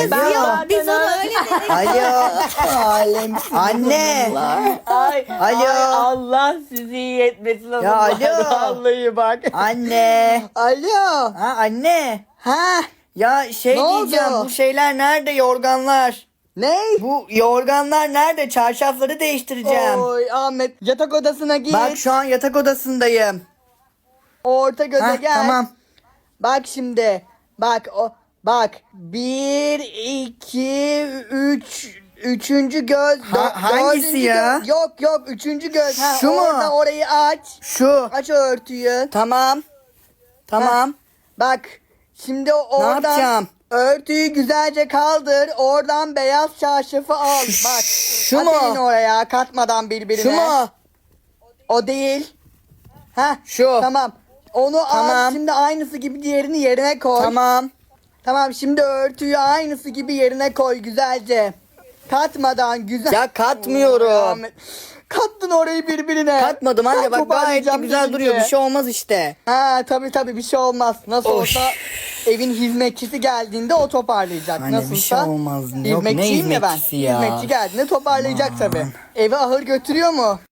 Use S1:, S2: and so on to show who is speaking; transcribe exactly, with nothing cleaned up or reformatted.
S1: Kız
S2: Alo.
S1: yok biz onu öyle dedik.
S2: Alo.
S3: Alemsin.
S2: Anne.
S3: Ay,
S2: Alo.
S3: ay Allah sizi iyi etmesin.
S2: Ya alo.
S3: Vallahi bak.
S2: Anne.
S3: Alo.
S2: Ha anne.
S3: Ha?
S2: Ya şey
S3: Ne
S2: diyeceğim,
S3: oldu?
S2: bu şeyler nerede, yorganlar?
S3: Ne?
S2: Bu yorganlar nerede? Çarşafları değiştireceğim.
S3: Oy Ahmet yatak odasına git.
S2: Bak şu an yatak odasındayım.
S3: Orta göze
S2: Ha,
S3: gel.
S2: tamam.
S3: Bak şimdi. Bak o. Bak. Bir, iki, üç. Üçüncü göz.
S2: Ha-
S3: dö-
S2: hangisi
S3: dördüncü
S2: ya?
S3: göz. Yok yok. Üçüncü göz. Ha,
S2: Şu mu?
S3: orada orayı aç.
S2: Şu.
S3: Aç o örtüyü.
S2: Tamam. Tamam.
S3: Bak. Şimdi oradan
S2: yapacağım?
S3: örtüyü güzelce kaldır. Oradan beyaz çarşafı al.
S2: Şu-
S3: Bak.
S2: şu
S3: at
S2: mu?
S3: elini oraya katmadan birbirine.
S2: Şu mu?
S3: O değil. Ha.
S2: Şu.
S3: Tamam. Onu al.
S2: Tamam.
S3: Şimdi aynısı gibi diğerini yerine koy.
S2: Tamam.
S3: Tamam şimdi örtüyü aynısı gibi yerine koy güzelce. Katmadan güzel.
S2: Ya katmıyorum.
S3: Ahmet, kattın orayı birbirine.
S2: Katmadım anne,
S3: Ben
S2: bak gayet de
S3: toparlayacağım
S2: güzel
S3: deyince.
S2: duruyor, bir şey olmaz işte.
S3: Ha tabii tabii bir şey olmaz. Nasıl
S2: Oy.
S3: olsa evin hizmetçisi geldiğinde o toparlayacak.
S2: Anne, bir
S3: Nasılsa.
S2: şey olmaz. Yok, ne
S3: Hizmetçiyim ya ben.
S2: hizmetçisi ya?
S3: Hizmetçi geldiğinde toparlayacak tabii. Eve ahır götürüyor mu?